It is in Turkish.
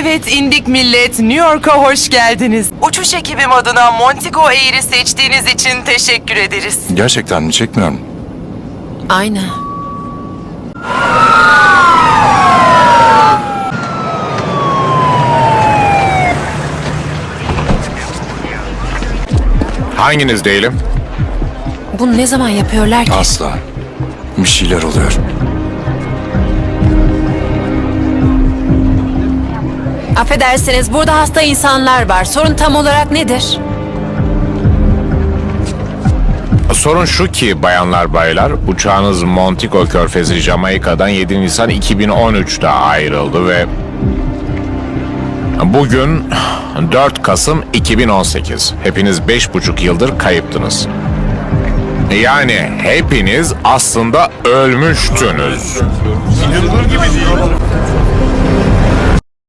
Evet indik millet, New York'a hoş geldiniz. Uçuş ekibim adına Montego Air'i seçtiğiniz için teşekkür ederiz. Gerçekten mi? Çekmiyorum. Aynen. Hanginiz değilim? Bunu ne zaman yapıyorlar ki? Asla. Bir şeyler oluyor. Affedersiniz, burada hasta insanlar var. Sorun tam olarak nedir? Sorun şu ki bayanlar baylar, uçağınız Montego Körfezi Jamaika'dan 7 Nisan 2013'te ayrıldı ve bugün 4 Kasım 2018. Hepiniz 5,5 yıldır kayıptınız. Yani hepiniz aslında ölmüştünüz. İnanılır gibi değil.